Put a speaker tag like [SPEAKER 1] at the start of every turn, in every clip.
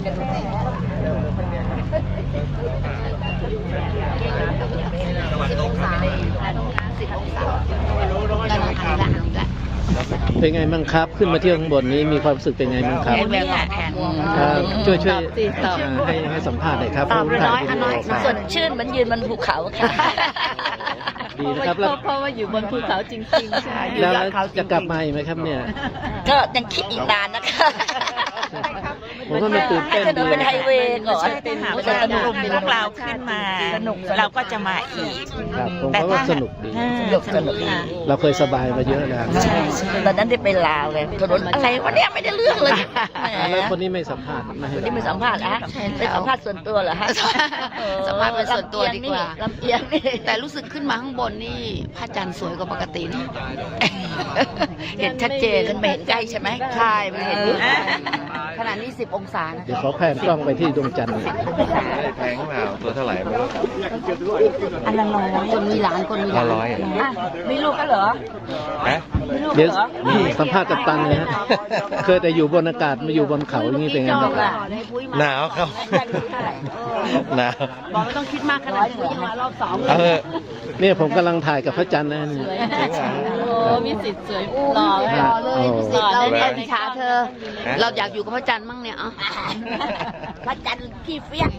[SPEAKER 1] เป็นไงบ้างครับขึ้นมาเที่ยวข้างบนนี้มีความรู้สึกเป็นไงบ้างครับช่วยให้สัมภาษณ์หน่อยครับ
[SPEAKER 2] น้อยสดชื่นเหมือนยืนบนภูเขาค่ะ
[SPEAKER 1] ดีนะครับ
[SPEAKER 2] เพราะว่าอยู่บนภูเขาจริงๆค่ะ
[SPEAKER 1] แล้วจะกลับมาอีกไหมครับเนี่ย
[SPEAKER 2] ก็ยังคิดอีกนานนะคะ
[SPEAKER 1] ผมว่ามันตื่นเต้นดี
[SPEAKER 2] เป็นไฮเวย์ก่อน
[SPEAKER 3] เป็นกลุ่มพวกเราขึ้นมาเราก็จะมาอีก
[SPEAKER 1] ผมว่าสนุกดีเราเคยสบายมาเยอะแล้ว
[SPEAKER 2] ตอนนั้นได้ไปลาวเลยถนนอะไรวะเนี่ยไม่ได้เรื่องเลย
[SPEAKER 1] แล้วคนนี้ไม่สัมภาษณ์
[SPEAKER 2] คนนี้ไม่สัมภาษณ์ฮะไปสัมภาษณ์ส่วนตัวเหรอฮะ
[SPEAKER 3] สัมภาษณ์เป็นส่วนตัวดีกว่า
[SPEAKER 2] ลำเอียงนี่
[SPEAKER 3] แต่รู้สึกขึ้นมาข้างบนนี่พระจันทร์สวยกว่าปกตินะเห็นชัดเจน
[SPEAKER 2] มันเห็นใกล้ใช่ไหม
[SPEAKER 3] ใช่มันเห็นขนาดนี้10 องศานะ
[SPEAKER 1] เดี๋ยวเขาแพนกล้องไปที่ดวงจันทร์
[SPEAKER 4] แพงเปล่าตัวเท่าไหร่ไม่รู้
[SPEAKER 3] อันละ100คนมีหลานคนมีหลาน
[SPEAKER 2] มีลูกกันเหรอ
[SPEAKER 1] เดี๋ยวสัมภาษณ์กัปตันเลยฮะเคยแต่อยู่บนอากาศมาอยู่บนเขาอย่างนี้เป็นไงบ้าง
[SPEAKER 4] หนาวครับหนาว
[SPEAKER 3] บอกไม่ต้องคิดมากขนาดนี้มารอบ2
[SPEAKER 1] เนี่ยผมกำลังถ่ายกับพระจันทร์นะนี่
[SPEAKER 3] มีสิทธิ์สวยหล่อเลยมีสิทธิ์เราเนี่ยอิจฉาเธอเราอยากอยู่กับพระจันทร์มั่งเนี่ย
[SPEAKER 2] พระจันทร์พี่เฟี้ยง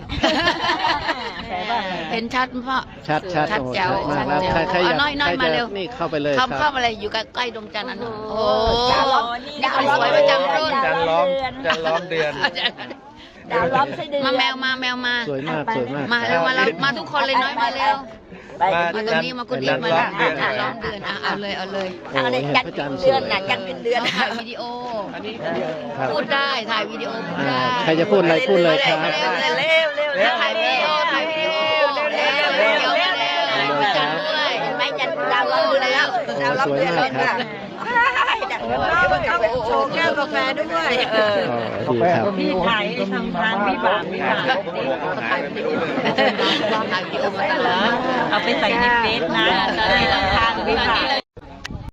[SPEAKER 3] เห็นชัดพ่อ
[SPEAKER 1] ชัด
[SPEAKER 3] แจ๋ว
[SPEAKER 1] ใครน้อยมาเร็วนี่เข้าไปเลย
[SPEAKER 3] เข้ามาเลยอยู่ใกล้ดวงจันทร์นั้นโอ้ดาวสวยประจำรุ่น
[SPEAKER 4] จันล้อมเดือน
[SPEAKER 2] ดาวล้อมไส้เดือน
[SPEAKER 3] มาแมวมา
[SPEAKER 1] สวยมาก
[SPEAKER 3] มาเร็วมาทุกคนเลยน้อยมาเร็วมาตรงนี้มากุฏิมาล้อมเดือนเอาเลย
[SPEAKER 2] จันเป็นเดือนนะจันเป็นเดือน
[SPEAKER 3] ถ่ายวิดีโอพูดได้ถ่ายวิดีโอพูดได้
[SPEAKER 1] ใครจะพูดอะไรพูดเลยครับ
[SPEAKER 2] เร็ว
[SPEAKER 3] ถ่ายวิดีโอจันด้วย
[SPEAKER 2] ไม่จันดาวล้อมเดือนแล้วดาวล้อมเดือนแล้วค่ะโชว์แก้วกาแฟด้วย
[SPEAKER 1] พี่
[SPEAKER 2] ถ่ายทำทางวิบาก
[SPEAKER 3] ถ่ายวิดีโอมาตลอดเอาไปใส่ในเฟซนะทางวิบาก